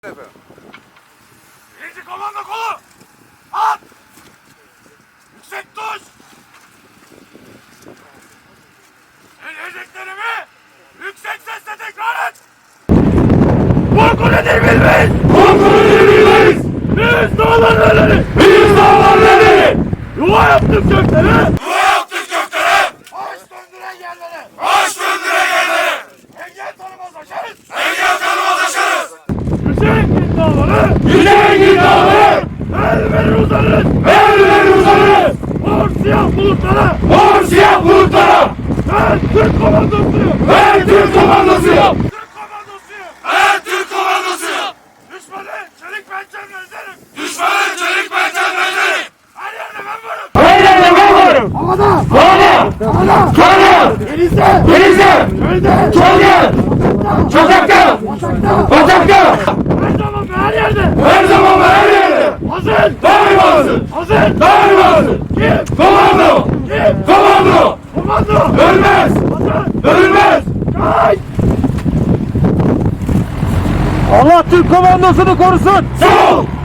Birinci komando kolu! At! Yüksek tuş! Söyleyeceklerimi yüksek sesle tekrar et! Korku nedir bilmeyiz! Korku nedir bilmeyiz! Biz dağlarları! Biz dağlarları! Yuva yaptık göklere! Yuva yaptık göklere! Baş döndüren yerlere! Baş döndüren yerlere! Engel tanımaz aşarız! Engel tanımaz aşarız! Yüksek dağları! Yüksek dağları! El verir uzanırız! El verir uzanırız! Mor siyah bulutlara! Mor siyah bulutlara! Ben Türk komandosuyum! Ben Türk komandosuyum! Türk komandosuyum! Ben Türk komandosuyum! Düşmanın çelik pençelerini ezerim! Düşmanın çelik pençelerini ezerim! Her yerde ben varım! Her yerde ben varım! Havada! Havada! Havada! Karada! Denizde! Denizde! Çölde! Çölde! Sokakta! Sokakta! Her zaman ve her yerde! Her zaman ve her yerde! Hazır! Daima hazır! Hazır! Daima hazır! Kim? Komando! Kim? Komando! Komando! Ölmez! Hazır! Ölmez! Kaç! Allah Türk komandosunu korusun! Sağ ol!